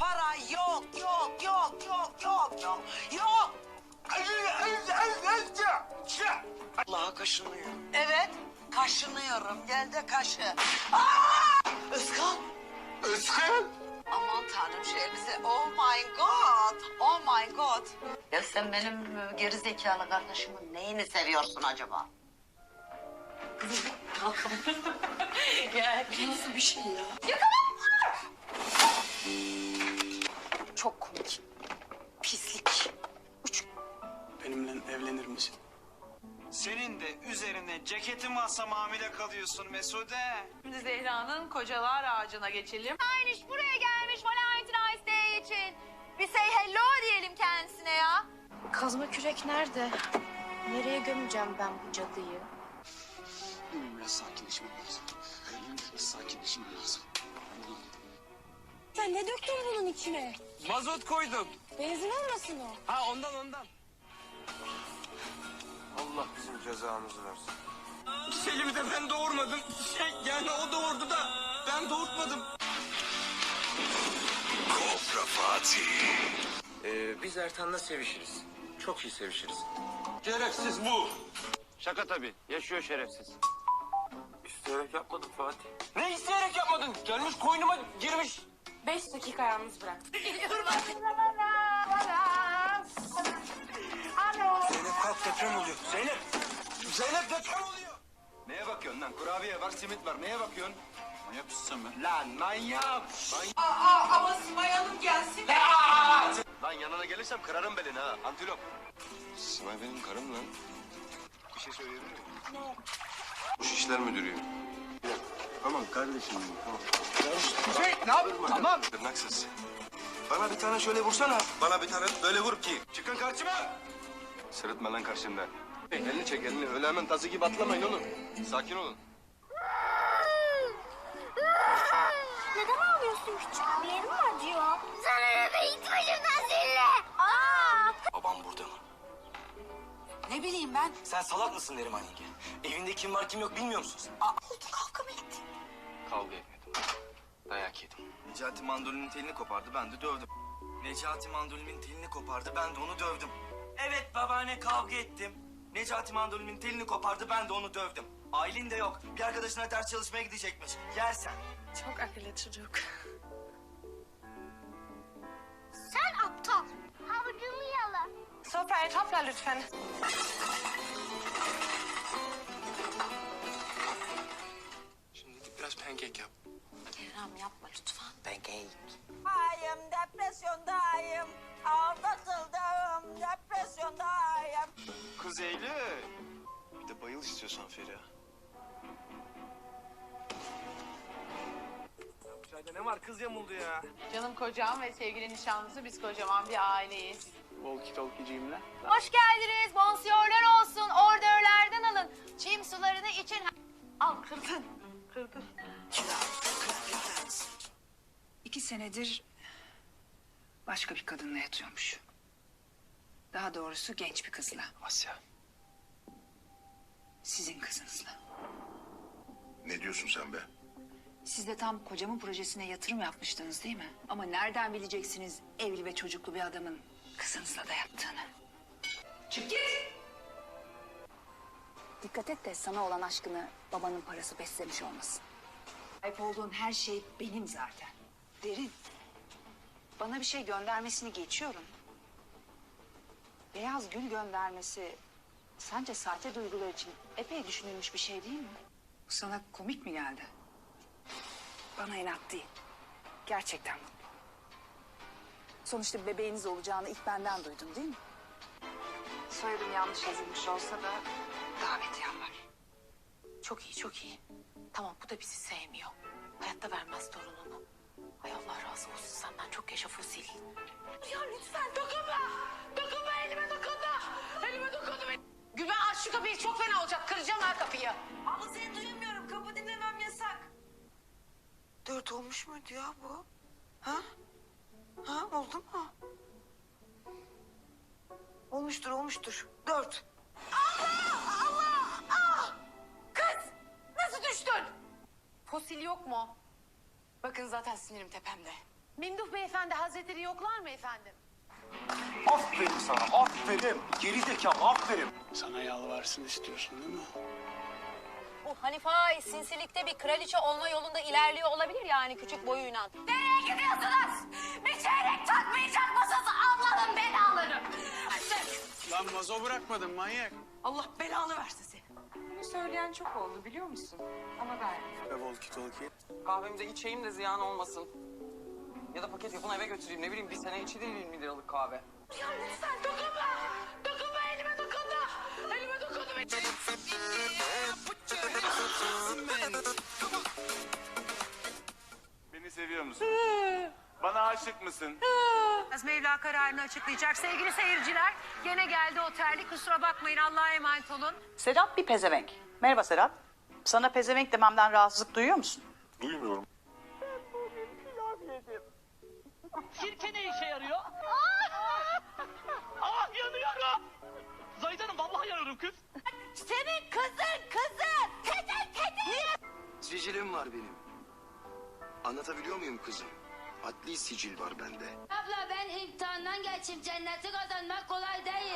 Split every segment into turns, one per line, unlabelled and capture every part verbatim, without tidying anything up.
para yok, yok, yok, yok, yok, yok, yok.
Allah'a kaşınıyor.
Evet, kaşınıyorum. Gel de kaşı.
Özkan.
Özkan.
Aman tanrım şu elbise. Oh my god. Oh my god.
Ya sen benim e, geri zekalı kardeşimin neyini seviyorsun acaba?
Gel. Nasıl bir şey ya?
Çok komik. Pislik.
Benimle evlenir misin?
Senin de üzerine ceketin varsa hamile kalıyorsun Mesude.
Şimdi Zehra'nın kocalar ağacına geçelim.
Ayniş buraya gelmiş Valentine's Day için. Bir say hello diyelim kendisine ya.
Kazma kürek nerede? Nereye gömeceğim ben bu cadıyı?
Benim biraz sakinleşmem lazım. Benim biraz sakinleşmem lazım.
Sen ne döktün bunun içine?
Mazot koydum.
Benzin olmasın o?
Ha ondan ondan.
Allah bizim cezamızı versin.
Selim'i de ben doğurmadım. Şey yani o doğurdu da ben doğurtmadım.
Kobra Fatih. Ee, biz Ertan'la sevişiriz. Çok iyi sevişiriz.
Şerefsiz bu.
Şaka tabii. Yaşıyor şerefsiz. İsteyerek yapmadım Fatih.
Ne isteyerek yapmadın? Gelmiş koynuma girmiş.
Beş dakika yalnız bırak.
Zeynep kalk deprem oluyor. Zeynep. Zeynep deprem oluyor. Neye bakıyorsun lan? Kurabiye var, simit var. Neye bakıyorsun? Manyak mısın sen be? Lan manyak. manyak.
Aa, ama Simay Hanım gelsin.
Lan yanına gelirsem kırarım belini ha. Antilop. Simay benim karım lan. Bir şey söyleyebilir miyim? Ne? Bu işler müdürüyüm. Tamam kardeşim benim tamam.
Şey, ne yapıyorsun? Tamam.
Tırnaksız. Bana bir tane şöyle vursana. Bana bir tane böyle vur ki.
Çıkın karşıma.
Sırıtma lan karşımda. Elini çek elini. Öyle hemen tazı gibi atlamayın oğlum. Sakin olun.
Neden ağlıyorsun küçük? Bir yerin mi acıyor? Sana eve git başımdan zille. Aa!
Babam burada mı?
Ne bileyim ben.
Sen salak mısın Neriman yenge? Evinde kim var kim yok bilmiyor musun sen?
Oldu kavga mı ettin?
Kavga etmedim. Dayak yedim.
Necati mandolinin telini kopardı, ben de dövdüm. Necati mandolinin telini kopardı, ben de onu dövdüm. Evet babaanne kavga ettim. Necati mandolinin telini kopardı, ben de onu dövdüm. Aylin de yok. Bir arkadaşına ders çalışmaya gidecekmiş. Yersen.
Çok akıllı çocuk.
Sen aptal. Havucumu yala.
Sofrayı topla lütfen.
Şimdi gidip biraz pankek yap.
Kerem yapma lütfen.
Pancake.
Ayım depresyondayım. Aldatıldım depresyondayım.
Kız Eylül. Bir de bayıl istiyorsan Feriha. Bu çayda ne var? Kız yamuldu ya.
Canım kocam ve sevgili nişanlısı biz kocaman bir aileyiz.
Walkie talkie'ciyim lan.
Hoş geldiniz. Bonsiyorlar olsun. Ordörlerden alın. Çim sularını için.
Al kırdın. Kırdın.
İki senedir başka bir kadınla yatıyormuş. Daha doğrusu genç bir kızla.
Asya.
Sizin kızınızla.
Ne diyorsun sen be?
Siz de tam kocamın projesine yatırım yapmıştınız değil mi? Ama nereden bileceksiniz evli ve çocuklu bir adamın kızınızla da yattığını? Çık git! Dikkat et de sana olan aşkını babanın parası beslemiş olmasın. Sahip olduğun her şey benim zaten. Derin. Bana bir şey göndermesini geçiyorum. Beyaz gül göndermesi sence sahte duygular için epey düşünülmüş bir şey değil mi? Bu sana komik mi geldi? Bana inat değil. Gerçekten mutlu. Sonuçta bebeğiniz olacağını ilk benden duydun değil mi? Soyadım yanlış yazılmış olsa da davetiyem var.
Çok iyi çok iyi. Tamam bu da bizi sevmiyor. Hayatta vermez torununu. Ay Allah razı olsun senden çok yaşa fosil. Ya lütfen dokunma. Dokunma elime dokunma. Elime dokunma. Gülben aç şu kapıyı çok fena olacak. Kıracağım ha kapıyı.
Ama seni duyamıyorum. Kapı dinlemem yasak. Dört olmuş muydu ya bu? Ha? Ha oldu mu? Olmuştur olmuştur. Dört.
Allah! Allah! Ah! Kız! Nasıl düştün?
Fosil yok mu? Bakın zaten sinirim tepemde.
Memduh Beyefendi Hazretleri yoklar mı efendim?
Aferin sana, aferin. Geri zekalı, aferin.
Sana yalvarsın istiyorsun değil mi?
Bu Hanife Ağa'yı sinsilikte bir kraliçe olma yolunda ilerliyor olabilir yani küçük boyuyla.
Nereye gidiyorsunuz? Bir çeyrek takmayacak mısınız? Ablanın belaları.
Lan vazo bırakmadın manyak.
Allah belanı versin seni.
Bunu söyleyen çok oldu biliyor musun? Ama ben.
Ve volki tolki.
Kahvemize içeyim de ziyan olmasın. Ya da paket yapın eve götüreyim ne bileyim bir sene içilir yirmi liralık kahve.
Ya lütfen dokunma. Dokunma elime dokunma. Elime dokunma.
Beni seviyor musun? Bana aşık mısın?
Mevla kararını açıklayacak sevgili seyirciler. Gene geldi o terlik, kusura bakmayın, Allah'a emanet olun.
Sedat bir pezevenk. Merhaba Sedat. Sana pezevenk dememden rahatsızlık duyuyor musun?
Duymuyorum.
Sirke ne işe yarıyor? Ah yanıyorum. Zahid Hanım vallahi yanıyorum kız.
Senin kızın kızın. Tetin tetin.
Sicilim var benim. Anlatabiliyor muyum kızım? Adli sicil var bende.
Abla ben imtihandan geçip cenneti kazanmak kolay değil.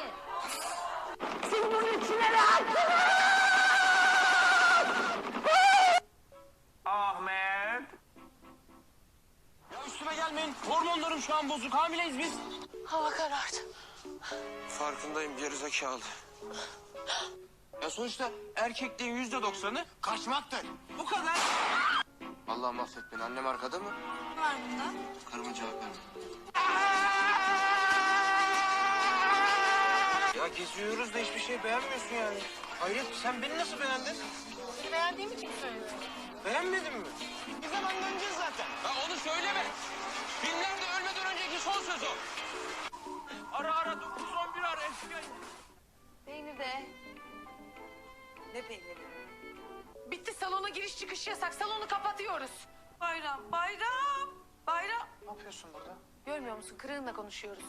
Ahmet.
Ya üstüme gelmeyin hormonlarım şu an bozuk hamileyiz biz.
Hava karardı.
Farkındayım gerizekalı.
Ya sonuçta erkekliğin yüzde doksanı kaçmaktır. Bu kadar.
Allah mahvet beni. Annem arkada mı?
Var bunda.
Karıma cevap verme. Ya geziyoruz da hiçbir şey beğenmiyorsun yani. Hayret sen beni nasıl beğendin?
Beğendiğimi kim söylüyor?
Beğenmedin mi?
Bir zaman döneceğiz zaten.
Ya onu söyleme. Filmlerde ölmeden önceki son söz o. Ara ara dokuz on bir ara eski.
Peynir de.
Ne peyniri?
Bitti, salona giriş çıkış yasak. Salonu kapatıyoruz.
Bayram, bayram, bayram.
Ne yapıyorsun burada?
Görmüyor musun? Kırığınla konuşuyoruz.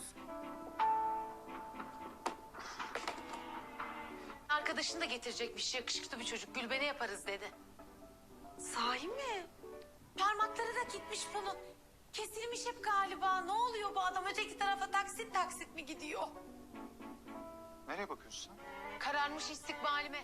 Arkadaşını da getirecekmiş. Yakışıklı bir çocuk. Gülbene yaparız dedi.
Sahi mi?
Parmakları da gitmiş bunun. Kesilmiş hep galiba. Ne oluyor bu adam? Öteki tarafa taksit taksit mi gidiyor?
Nereye bakıyorsun sen?
Kararmış istikbalime.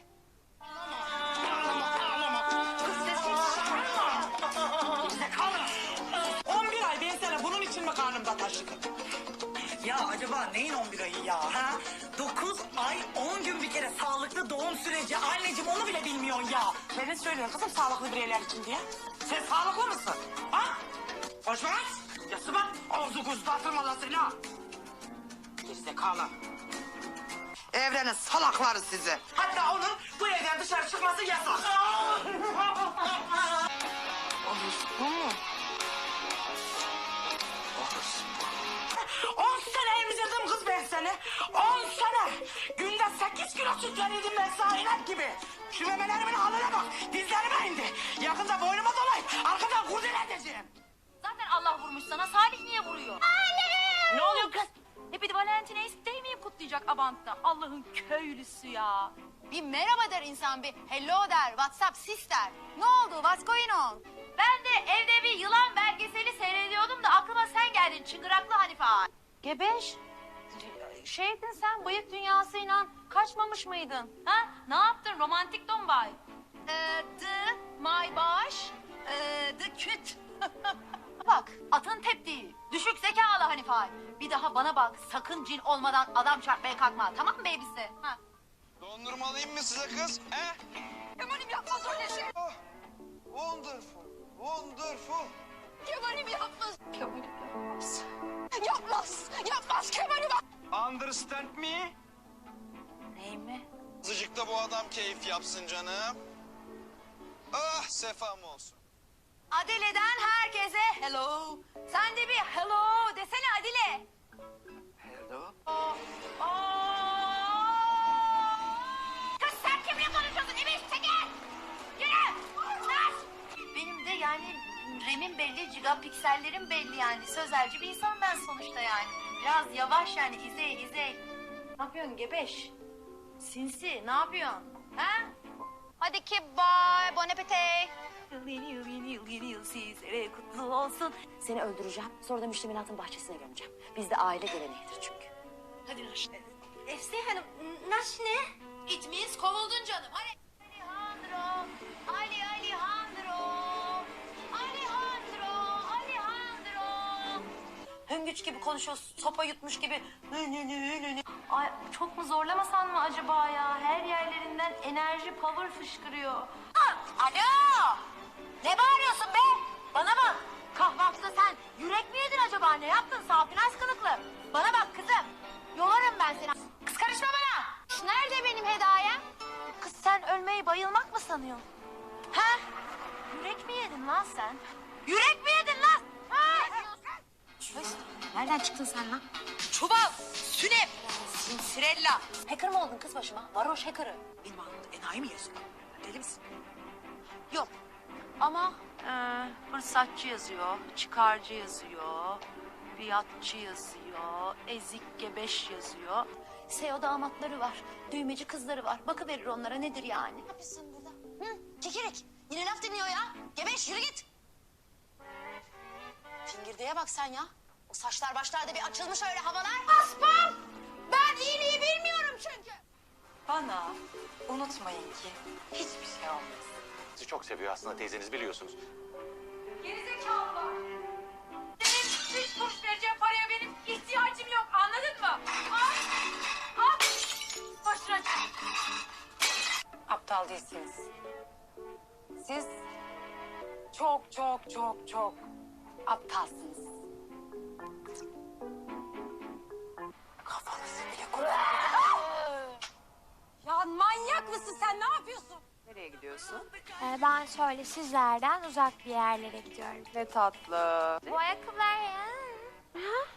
on bir ay ben sana bunun için mi karnımda taşıdım? Ya acaba neyin on bir ayı ya? Ha? dokuz ay on gün bir kere sağlıklı doğum süreci. Anneciğim onu bile bilmiyorsun ya. Neden söylüyorsun kızım sağlıklı bireyler için diye? Sen sağlıklı mısın? Ha? Konuşma lan. Yası bak. Ağzı kuzu atırma lan seni ha. Gerizekalı. Evrenin salakları sizi. Hatta onun bu evden dışarı çıkması yasak. Bu mu? On sene emzirdim kız ben seni. On sene. Günde sekiz kilo süt verirdim ben sana inek gibi. Şu memelerimin haline bak. Dizlerime indi. Yakında boynuma dolayıp arkadan kurdele edeceğim.
Zaten Allah vurmuş sana, Salih niye vuruyor?
Anne.
Ne oluyor kız? Happy Valentine's Day mi kutlayacak Abant'ta? Allah'ın köylüsü ya. Bir merhaba der insan, bir hello der, WhatsApp sis der. Ne oldu, what's going on? Ben de evde bir yılan belgeseli seyrediyordum da aklıma sen geldin, çıngıraklı Hanife Ağa. Gebeş, şeydin sen, bıyık dünyasıyla kaçmamış mıydın? Ha? Ne yaptın, romantik dombay? Ee, the, my baş, ee, the küt. Bak, atın teptiği, düşük zekalı Hanife Ağa. Bir daha bana bak, sakın cin olmadan adam çarpmaya kalkma, tamam mı babysi? Ha?
Dondurma alayım mı size kız? He?
Kemal'im yapmaz öyle şey.
Oh, wonderful, wonderful.
Kemal'im yapmaz. Kemal'im yapmaz. Yapmaz, yapmaz Kemal'im.
Understand me?
Ney mi?
Azıcık da bu adam keyif yapsın canım. Ah sefam olsun.
Adile'den herkese hello. Sen de bir hello desene Adile.
Hello.
Kız sen kimle konuşuyorsun? İbiş çekil. Yürü. Kız. Benim de yani remim belli, gigapiksellerim belli yani. Sözelci bir insan ben sonuçta yani. Biraz yavaş yani, izey izey. Ne yapıyorsun gebeş? Sinsi ne yapıyorsun? Ha? Hadi ki bye, bon appetit. yıl, yeni yıl, yeni yıl, yeni yıl sizlere kutlu olsun.
Seni öldüreceğim. Sonra da müştemilatın bahçesine gömeceğim. Bizde aile geleneğidir çünkü.
Hadi Naşne.
Efse Hanım, naş ne?
It means kovuldun canım. Hadi. Alejandro, Ali Alejandro, Alejandro, Alejandro.
Hüngüç gibi konuşuyor, sopa yutmuş gibi.
Ay çok mu zorlamasan mı acaba ya? Her yerlerinden enerji, power fışkırıyor.
Alo! Ne bağırıyorsun be? Bana bak. Kahvaltıda sen yürek mi yedin acaba? Ne yaptın? Safinaz kılıklı. Bana bak kızım. Yolarım ben seni. Kız karışma bana.
Nerede benim hediyem? Kız sen ölmeyi bayılmak mı sanıyorsun? Ha? Yürek mi yedin lan sen?
Yürek mi yedin lan? Ha? Nereden çıktın sen lan? Çuval, sünep, sinsirella. Hacker mı oldun kız başıma? Varoş hacker'ı.
Benim aklımda enayi mi yazıyor? Deli misin?
Yok. Ama e, fırsatçı yazıyor, çıkarcı yazıyor, biatçı yazıyor, ezik gebeş yazıyor. S E O damatları var, düğmeci kızları var. Bakıverir onlara nedir yani?
Ne yapıyorsun burada? Hı? Kekirik. Yine laf dinliyor ya. Gebeş yürü git. Fingirdeğe bak sen ya. O saçlar başlarda bir açılmış öyle havalar.
Aspam! Ben iyiliği bilmiyorum çünkü.
Bana unutmayın ki hiçbir şey olmaz.
Sizi çok seviyor aslında teyzeniz biliyorsunuz.
Gerizekalılar. Benim üç kuruş vereceğim paraya benim ihtiyacım yok, anladın mı? Al, al. Başına çık.
Aptal değilsiniz. Siz çok çok çok çok aptalsınız. Kafanızı bile kullanmıyor.
Ya manyak mısın sen? Ne yapıyorsun?
Nereye gidiyorsun?
Ee, ben şöyle sizlerden uzak bir yerlere gidiyorum.
Ne tatlı.
Bu ayakkabılar ya. Ha?